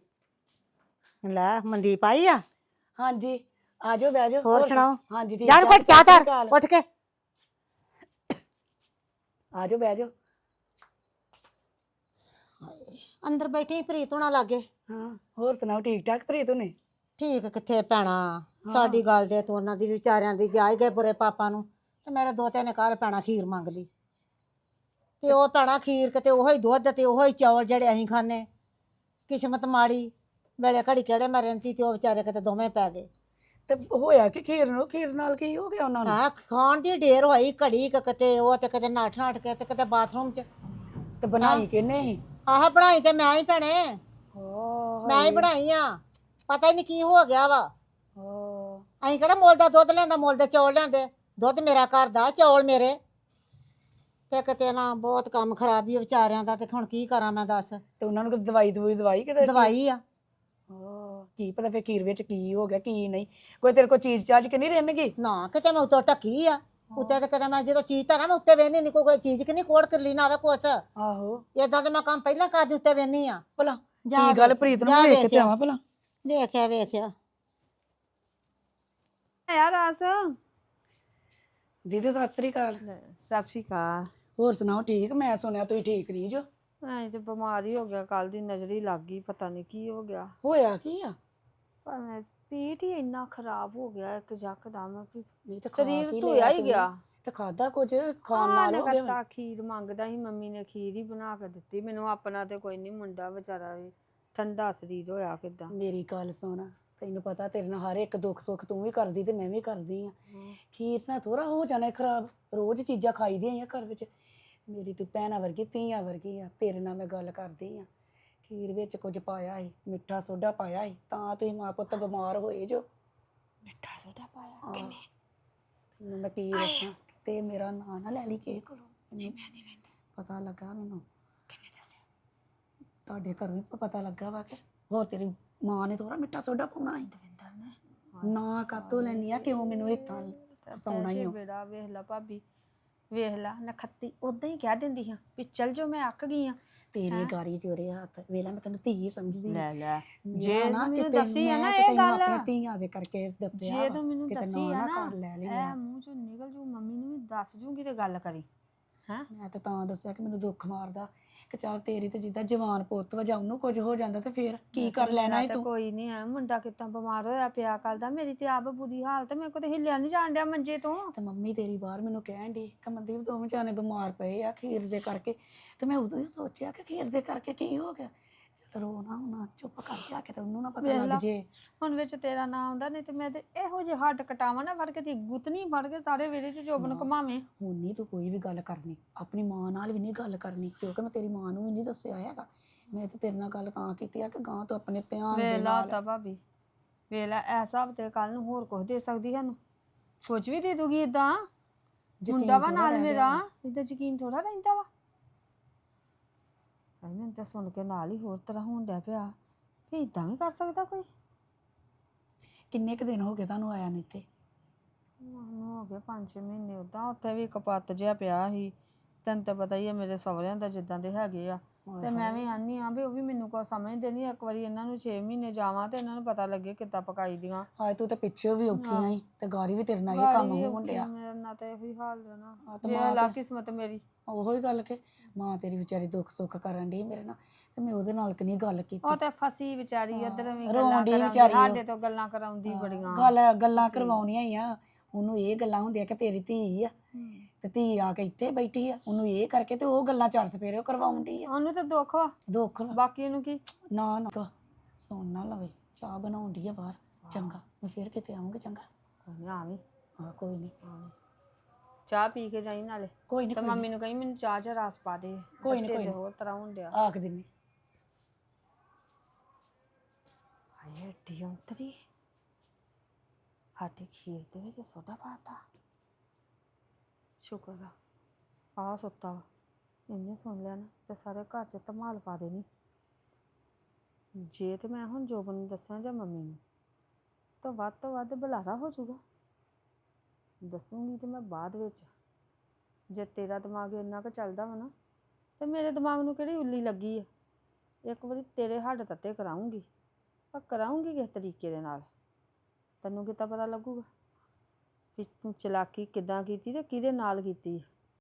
ਲੈ ਮਨਦੀਪ ਆਈ ਆ? ਹਾਂਜੀ ਆ ਜਾਓ, ਬਹਿ ਜਾਓ। ਹੋਰ ਸੁਣਾਓ? ਹਾਂਜੀ ਠੀਕ ਜਾਨ ਠਾਕ, ਘੁੱਟ ਚਾਹ ਸਤਿ ਸ਼੍ਰੀ ਧਰ ਅਕਾਲ। ਉੱਠ ਕੇ। ਆ ਜਾਓ ਬਹਿ ਜਾਓ। ਅੰਦਰ ਬੈਠੀ ਪ੍ਰੀਤ ਹੋਣਾ ਲਾਗੇ। ਹਾਂ ਹੋਰ ਸੁਣਾਓ, ਠੀਕ ਠਾਕ ਪ੍ਰੀਤ ਨੇ? ਠੀਕ ਕਿੱਥੇ ਭੈਣਾ, ਸਾਡੀ ਗੱਲ ਦੇ ਤੂੰ ਉਹਨਾਂ ਦੀ ਵਿਚਾਰਿਆਂ ਦੀ ਜਾ ਹੀ ਗਏ ਬੁਰੇ ਪਾਪਾ ਨੂੰ। ਤੇ ਮੇਰੇ ਦੋ ਤਿੰਨ ਘਰ ਭੈਣਾ ਖੀਰ ਮੰਗ ਲਈ। ਤੇ ਉਹ ਭੈਣਾ ਖੀਰ ਕਿਤੇ ਉਹੋ ਹੀ ਦੁੱਧ ਤੇ ਉਹੋ ਹੀ ਚੌਲ ਜਿਹੜੇ ਅਸੀਂ ਖਾਂਦੇ। ਕਿਸਮਤ ਮਾੜੀ ਵੇਲੇ ਘੜੀ ਕਿਹੜੇ ਮੈਂ ਰਹਿੰਦੀ ਤੇ ਉਹ ਵਿਚਾਰੇ ਕਿਤੇ ਦੋਵੇਂ ਪੈ ਗਏ। ਤੇ ਹੋਇਆ ਕਿ ਖੀਰ ਨੂੰ ਖੀਰ ਨਾਲ ਕੀ ਹੋ ਗਿਆ ਉਹਨਾਂ ਨੂੰ? ਹਾਂ ਖਾਣ ਦੀ ਢੇਰ ਹੋਈ ਘੜੀ ਕੁ ਕਿਤੇ ਉਹ ਤੇ ਕਿਤੇ ਨੱਠ ਨੱਠ ਕੇ ਤੇ ਕਿਤੇ ਬਾਥਰੂਮ 'ਚ ਤੇ ਬਣਾਈ ਕਿਹਨੇ ਸੀ? ਆਹ ਬਣਾਈ ਤੇ ਮੈਂ ਹੀ ਭੈਣੇ ਓ ਮੈਂ ਹੀ ਬਣਾਈ ਆ ਪਤਾ ਹੀ ਨਹੀਂ ਕੀ ਹੋ ਗਿਆ ਵਾ ਓ ਅਸੀਂ ਕਿਹੜਾ ਮੁੱਲ ਦਾ ਦੁੱਧ ਲਿਆਂਦਾ ਮੁੱਲ ਦੇ ਚੌਲ ਲਿਆਂਦੇ ਦੁੱਧ ਮੇਰਾ ਘਰ ਦਾ ਚੌਲ ਮੇਰੇ ਤੇ ਕਿਤੇ ਨਾ ਬਹੁਤ ਕੰਮ ਖਰਾਬ ਹੀ ਆ ਵਿਚਾਰਿਆਂ ਦਾ ਤੇ ਹੁਣ ਕੀ ਕਰਾਂ ਮੈਂ ਦੱਸ ਤੇ ਉਹਨਾਂ ਨੂੰ ਕੋਈ ਦਵਾਈ ਦਵਾਈ ਦਵਾਈ ਕਿਤੇ? ਦਵਾਈ ਆ ਓ ਕੀ ਪਤਾ ਫਿਰ ਖੀਰ ਵਿੱਚ ਕੀ ਹੋ ਗਿਆ ਕੀ ਨਹੀਂ। ਕੋਈ ਤੇਰੇ ਕੋਲ ਚੀਜ਼ ਚਾਜ ਕਿ ਨਹੀਂ ਰਹਿਣਗੀ? ਨਾ ਕਿਤੇ ਮੈਂ ਉੱਤੋਂ ਢੱਕੀ ਆ ਉੱਤੇ ਤੇ ਕਦੇ ਮੈਂ ਜਦੋਂ ਚੀਜ਼ ਧਰਾਂ ਮੈਂ ਉੱਤੇ ਵੇਹਨੀ ਨਹੀਂ ਕੋਈ ਚੀਜ਼ ਕਿ ਨਹੀਂ ਕੋੜ ਕਰਲੀ ਨਾ ਆਵੇ ਕੁਛ ਆਹੋ ਏਦਾਂ ਤੇ ਮੈਂ ਕੰਮ ਪਹਿਲਾਂ ਕਰਦੀ ਉੱਤੇ ਵੇਹਨੀ ਆ ਭਲਾ ਜਾ ਕੀ ਗੱਲ ਵੇਖ- ਪ੍ਰੀਤ ਨੂੰ ਜਾ ਵੇਖ ਕੇ ਤੇ ਵੇਖਿਆ। ਆਵਾਂ ਭਲਾ। ਵੇਖਿਆ ਵੇਖਿਆ ਯਾਰ ਆਸ ਦੀਦੀ ਸਤਿ ਸ੍ਰੀ ਅਕਾਲ। ਸਤਿ ਸ਼੍ਰੀ ਅਕਾਲ। ਹੋਰ ਸੁਣਾਓ ਠੀਕ? ਮੈਂ ਸੁਣਿਆ ਤੁਸੀਂ ਠੀਕ ਨਹੀਂ ਜੋ। ਐਂ ਤੇ ਬਿਮਾਰ ਹੀ ਹੋ ਗਿਆ ਕੱਲ ਦੀ ਨਜ਼ਰ ਹੀ ਲੱਗ ਗਈ ਪਤਾ ਨਹੀਂ ਕੀ ਹੋ ਗਿਆ ਹੋਇਆ ਕੀ ਆ? ਪਰ ਪੇਟ ਹੀ ਇੰਨਾ ਖਰਾਬ ਹੋ ਗਿਆ ਇੱਕ ਯਕਦਮ ਵੀ ਨਹੀਂ ਤਾਂ ਖਾ ਸਰੀਰ ਕੀ ਧੋਇਆ ਲਿਆ ਹੀ ਤੁਸੀਂ? ਗਿਆ। ਤੇ ਖਾਦਾ ਕੁਝ ਖਾਣ ਨਾਲ ਹੋ ਗਿਆ? ਕਰਤਾ ਖੀਰ ਮੰਗਦਾ ਸੀ ਮੰਮੀ ਨੇ ਖੀਰ ਹੀ ਬਣਾ ਕੇ ਦਿੱਤੀ ਮੈਨੂੰ ਆਪਣਾ ਤੇ ਕੋਈ ਨਹੀਂ ਮੁੰਡਾ ਵਿਚਾਰਾ ਵੀ ਠੰਡਾ ਸਰੀਰ ਹੋਇਆ ਕਿਦਾਂ। ਮੇਰੀ ਗੱਲ ਸੁਣ ਤੈਨੂੰ ਪਤਾ ਤੇਰੇ ਨਾਲ ਹਰ ਇੱਕ ਦੁੱਖ ਸੁੱਖ ਤੂੰ ਵੀ ਕਰਦੀ ਤੇ ਮੈਂ ਵੀ ਕਰਦੀ ਆ। ਖੀਰ ਨਾਲ ਥੋੜਾ ਹੋ ਜਾਣਾ ਖਰਾਬ। ਰੋਜ਼ ਚੀਜ਼ਾਂ ਖਾਈ ਦੀਆਂ ਆ ਘਰ ਵਿੱਚ। ਮੇਰੀ ਤੂੰ ਭੈਣਾਂ ਵਰਗੀ ਧੀਆਂ ਵਰਗੀ ਆ। ਤੇਰੇ ਨਾਲ ਮੈਂ ਗੱਲ ਕਰਦੀ ਆ। ਖੀਰ ਵਿੱਚ ਕੁਝ ਪਾਇਆ ਸੀ ਮਿੱਠਾ ਸੋਡਾ ਪਾਇਆ ਸੀ ਤਾਂ ਤੁਸੀਂ ਮਾਂ ਪੁੱਤ ਬਿਮਾਰ ਹੋਏ ਜੋ। ਮਿੱਠਾ ਸੋਡਾ ਪਾਇਆ ਹਾਂ। ਤੈਨੂੰ ਮੈਂ ਕੀ ਦੱਸਾਂ ਤੇ ਮੇਰਾ ਨਾਂ ਨਾ ਲੈ ਲਈ ਕਿਸੇ ਕੋਲੋਂ। ਮੈਨੂੰ ਪਤਾ ਲੱਗਾ ਮੈਨੂੰ ਤੁਹਾਡੇ ਘਰੋਂ ਹੀ ਪਤਾ ਲੱਗਾ ਵਾ ਕਿ ਹੋਰ ਤੇਰੀ ਮਾਂ ਨੇ ਥੋੜਾ ਮਿੱਠਾ ਸੋਡਾ ਪਾਉਣਾ ਸੀ। ਦਵਿੰਦਰ ਨੇ ਨਾ ਕਾਤੋਂ ਲੈਣੀ ਆ ਕਿਉਂ ਮੈਨੂੰ ਇੱਥਾਂ ਫਸਾਉਣਾ ਹੀ ਹੋ। ਬੇੜਾ ਵੇਖ ਲਾ ਭਾਬੀ ਵੇਖ ਲਾ ਨਖੱਤੀ ਉਦਾਂ ਹੀ ਕਹਿ ਦਿੰਦੀ ਹਾਂ ਵੀ ਚੱਲ ਜੋ ਮੈਂ ਅੱਕ ਗਈ ਆ। ਤੇਰੇ ਗਾਰੀ ਜੋਰੇ ਹੱਥ ਵੇਲਾ ਮੈਂ ਤੈਨੂੰ ਧੀ ਸਮਝਦੀ ਲੈ ਲੈ ਮੇਰਾ ਜੇ ਨਾ ਮੈਨੂੰ ਕਿਤੇ ਦੱਸੀ ਆ ਮੈਂ ਨਾ ਤੇ ਇਹ ਤੈਨੂੰ ਗੱਲ ਆਪਣੇ ਧੀਆਂ ਦੇ ਕਰਕੇ ਦੱਸਿਆ ਜੇ ਵਾ, ਤੂੰ ਮੈਨੂੰ ਕਿਤੇ ਦੱਸੀ ਨਾ ਆ ਨਾ ਨਾ ਕਰ ਲੈ ਲਈ ਇਹ ਮੈਂ ਮੂੰਹ ਚੋਂ ਨਿਕਲ ਜੂ ਮੰਮੀ ਨੂੰ ਵੀ ਦੱਸ ਜੂਗੀ ਤੇ ਗੱਲ ਕਰੀ ਹੈਂ। ਮੈਂ ਤਾਂ ਤਾਂ ਦੱਸਿਆ ਕਿ ਮੈਨੂੰ ਦੁੱਖ ਮਾਰਦਾ ਕਿ ਚੱਲ ਤੇਰੀ ਤੇ ਜਿੱਦਾਂ ਜਵਾਨ ਪੁੱਤ ਵਾ ਜਾਂ ਉਹਨੂੰ ਕੁਝ ਹੋ ਜਾਂਦਾ ਤੇ ਫੇਰ ਕੀ ਕਰ ਲੈਣਾ ਏ ਤੇ ਤੂੰ? ਕੋਈ ਨਹੀਂ ਹੈ ਮੁੰਡਾ ਕਿੱਦਾਂ ਬਿਮਾਰ ਹੋਇਆ ਪਿਆ ਕੱਲ ਦਾ ਮੇਰੀ ਤੇ ਆਪ ਬੁਰੀ ਹਾਲਤ ਮੇਰੇ ਕੋਲ ਤੇ ਹਿੱਲਿਆ ਨਹੀਂ ਜਾਣ ਡਿਆ ਮੰਜੇ ਤੋਂ। ਤੇ ਮੰਮੀ ਤੇਰੀ ਬਾਹਰ ਮੈਨੂੰ ਕਹਿਣ ਦੀ ਕਿ ਮਨਦੀਪ ਦੋਵੇਂ ਜਾਣੇ ਬਿਮਾਰ ਪਏ ਆ ਖੀਰ ਦੇ ਕਰਕੇ। ਤੇ ਮੈਂ ਉਦੋਂ ਹੀ ਸੋਚਿਆ ਕਿ ਖੀਰ ਦੇ ਕਰਕੇ ਕੀ ਹੋ ਗਿਆ। ਚੱਲ ਰੋ ਨਾ ਹੁਣ ਚੁੱਪ ਕਰ ਜਾ ਕੇ ਤੇ ਉਹਨੂੰ ਨਾ ਪਤਾ ਵੇਖ ਲਾ। ਲੱਗ ਜੇ। ਹੁਣ ਵਿੱਚ ਤੇਰਾ ਨਾਂ ਆਉਂਦਾ ਨਹੀਂ ਤੇ ਮੈਂ ਤੇ ਇਹੋ ਜਿਹੇ ਹੱਡ ਕਟਾਵਾਂ ਨਾ ਫੜ ਕੇ ਤੇ ਗੁੱਤਨੀ ਫੜ ਕੇ ਸਾਰੇ ਵਿਹੜੇ 'ਚ ਚੋਬਨ ਘੁਮਾਵੇਂ। ਹੁਣ ਨਹੀਂ ਤੂੰ ਕੋਈ ਵੀ ਗੱਲ ਕਰਨੀ ਆਪਣੀ ਮਾਂ ਨਾਲ ਵੀ ਨਹੀਂ ਗੱਲ ਕਰਨੀ ਕਿਉਂਕਿ ਮੈਂ ਤੇਰੀ ਮਾਂ ਨੂੰ ਵੀ ਨਹੀਂ ਦੱਸਿਆ ਹੈਗਾ। ਮੈਂ ਤੇ ਤੇਰੇ ਨਾਲ ਗੱਲ ਤਾਂ ਕੀਤੀ ਆ ਕਿ ਗਾਂ ਤੋਂ ਆਪਣੇ ਧਿਆਨ ਦੇ ਵੇਖ ਲਾ ਨਾਲ। ਤਾਂ ਭਾਬੀ ਵੇਖ ਲੈ ਐਸਾ ਹਫਤੇ ਕੱਲ ਨੂੰ ਹੋਰ ਕੁਝ ਦੇ ਸਕਦੀ ਸਾਨੂੰ ਕੁਝ ਵੀ ਦੇ ਦੂਗੀ ਇਦਾਂ ਯਕੀਨ ਮੁੰਡਾ ਵਾ ਥੋੜ੍ਹਾ ਨਾਲ ਰਹਿ ਗਿਆ ਮੇਰਾ ਵਾ। ਇਦਾਂ ਯਕੀਨ ਥੋੜਾ ਰਹਿੰਦਾ ਵਾ। ਹਾਏ ਮੈਨੂੰ ਤਾਂ ਸੁਣ ਕੇ ਨਾਲ ਹੀ ਹੋਰ ਤਰ੍ਹਾਂ ਹੋਣ ਡਿਆ ਪਿਆ ਵੀ ਇਦਾਂ ਵੀ ਕਰ ਸਕਦਾ ਕੋਈ। ਕਿੰਨੇ ਕੁ ਦਿਨ ਹੋ ਗਏ ਤੁਹਾਨੂੰ ਆਇਆ ਨੂੰ ਇੱਥੇ? ਮੈਨੂੰ ਹੋ ਗਏ ਪੰਜ ਛੇ ਮਹੀਨੇ ਉਦਾਂ ਉੱਥੇ ਵੀ ਕਪੱਤ ਜਿਹਾ ਪਿਆ ਸੀ ਤੈਨੂੰ ਤਾਂ ਪਤਾ ਹੀ ਹੈ ਮੇਰੇ ਸਹੁਰਿਆਂ ਦਾ ਜਿੱਦਾਂ ਦੇ ਹੈਗੇ ਆ ਤੇ ਮੈਂ ਵੀ ਆਨੀ ਆ ਵੀ ਉਹ ਵੀ ਮੈਨੂੰ ਕੋਈ ਸਮਝਦੇ ਨਹੀਂ। ਇੱਕ ਵਾਰੀ ਇਹਨਾਂ ਨੂੰ ਛੇ ਮਹੀਨੇ ਜਾਵਾਂ ਤੇ ਇਹਨਾਂ ਨੂੰ ਪਤਾ ਲੱਗੇ ਕਿੱਦਾਂ ਪਕਾਈ ਦੀਆਂ। ਹਾਏ ਤੂੰ ਤੇ ਪਿੱਛੇ ਵੀ ਔਖੀ ਆਹ। ਆਈ ਤੇ ਗਾਰੀ ਵੀ ਤੇਰੇ ਨਾਲ ਇਹ ਗਾੜੀ ਕੰਮ ਵੀ ਹੋਣ ਔਖੀ ਡਿਆ। ਮੇਰੇ ਨਾਲ ਤਾਂ ਇਹੀ ਹਾਲ ਹੈ ਨਾ ਹਾਂ ਤੇ ਵੇਖ ਮਾਂ ਲਾ ਤੇ ਕਿਸਮਤ ਮੇਰੀ। ਉਹੋ ਹੀ ਗੱਲ ਕਿ ਮਾਂ ਤੇਰੀ ਵਿਚਾਰੀ ਦੁੱਖ ਸੁੱਖ ਕਰਨ ਡਈ ਮੇਰੇ ਨਾਲ ਤੇ ਮੈਂ ਉਹਦੇ ਨਾਲ ਕਿ ਨਹੀਂ ਗੱਲ ਕੀਤੀ। ਉਹ ਤੇ ਫਸੀ ਵਿਚਾਰੀ ਇੱਧਰ ਵੀ ਰੋਣ ਗੱਲਾਂ ਡਈ ਕਰਾਉਂਦੀ ਵਿਚਾਰੀ ਉਹ। ਸਾਡੇ ਤੋਂ ਗੱਲਾਂ ਕਰਾਉਂਦੀ ਬੜੀਆਂ। ਗੱਲ ਗੱਲਾਂ ਕਰਵਾਉਣੀਆਂ ਹੀ ਆ। ਉਹਨੂੰ ਇਹ ਗੱਲਾਂ ਹੁੰਦੀਆਂ ਕਿ ਤੇਰੀ ਧੀ ਆ ਤੇ ਧੀ ਆ ਕੇ ਇੱਥੇ ਬੈਠੀ ਆ ਉਹਨੂੰ ਇਹ ਕਰਕੇ ਤੇ ਉਹ ਗੱਲਾਂ ਚਾਰ ਸਪੇਰੇ ਕਰਵਾਉਣ ਡਈ ਆ। ਉਹਨੂੰ ਤਾਂ ਦੁੱਖ ਵਾ ਦੁੱਖ ਵਾ। ਬਾਕੀ ਇਹਨੂੰ ਕੀ। ਨਾ ਨਾ ਸੁਣ ਨਾ ਲਵੇ ਚਾਹ ਬਣਾਉਣ ਡਈ ਆ ਬਾਹਰ। ਚੰਗਾ ਮੈਂ ਫੇਰ ਕਿਤੇ ਆਉਂਗੀ। ਚੰਗਾ ਕੋਈ ਨਹੀਂ ਆਵੀਂ ਹਾਂ ਕੋਈ ਨਹੀਂ ਆਵੀਂ ਚਾਹ ਪੀ ਕੇ ਜਾਈ ਨਾਲੇ ਕੋਈ ਨਹੀਂ ਤੇ ਮੰਮੀ ਨੂੰ ਕਹੀ ਮੈਨੂੰ ਚਾਹ ਚ ਰਸ ਪਾ ਦੇ। ਕੋਈ ਨੀ, ਢਿੱਡ ਕੋਈ ਨੀ। ਹੋਰ ਤਰ੍ਹਾਂ ਹੋਣ ਡਿਆ। ਆਖ ਦਿੰਨੀ। ਹਾਏ ਏਡੀ ਔਂਤਰੀ ਸਾਡੀ ਖੀਰ ਦੇ ਵਿੱਚ ਸੋਡਾ ਪਾਤਾ। ਸ਼ੁਕਰ ਆ ਆ ਸੁੱਤਾ ਵਾ ਇਹਨੇ ਸੁਣ ਲਿਆ ਨਾ ਤੇ ਸਾਰੇ ਘਰ 'ਚ ਧਮਾਲ ਪਾ ਦੇਣੀ। ਜੇ ਤੇ ਮੈਂ ਹੁਣ ਜੋਬਨ ਨੂੰ ਦੱਸਾਂ ਜਾਂ ਮੰਮੀ ਨੂੰ ਤਾਂ ਵੱਧ ਤੋਂ ਵੱਧ ਬੁਲਾਰਾ ਹੋ ਜਾਊਗਾ। ਦੱਸੂਗੀ ਤੇ ਮੈਂ ਬਾਅਦ ਵਿੱਚ ਜੇ ਤੇਰਾ ਦਿਮਾਗ ਇੰਨਾ ਕੁ ਚੱਲਦਾ ਵਾ ਨਾ ਤੇ ਮੇਰੇ ਦਿਮਾਗ ਨੂੰ ਕਿਹੜੀ ਉੱਲੀ ਲੱਗੀ ਆ। ਇੱਕ ਵਾਰੀ ਤੇਰੇ ਹੱਡ ਤੱਤੇ ਕਰਾਉਂਗੀ ਪਰ ਕਰਾਉਂਗੀ ਕਿਸ ਤਰੀਕੇ ਦੇ ਨਾਲ ਤੈਨੂੰ ਕਿੱਦਾਂ ਪਤਾ ਲੱਗੂਗਾ ਵੀ ਤੂੰ ਚਲਾਕੀ ਕਿੱਦਾਂ ਕੀਤੀ ਤੇ ਕਿਹਦੇ ਨਾਲ ਕੀਤੀ।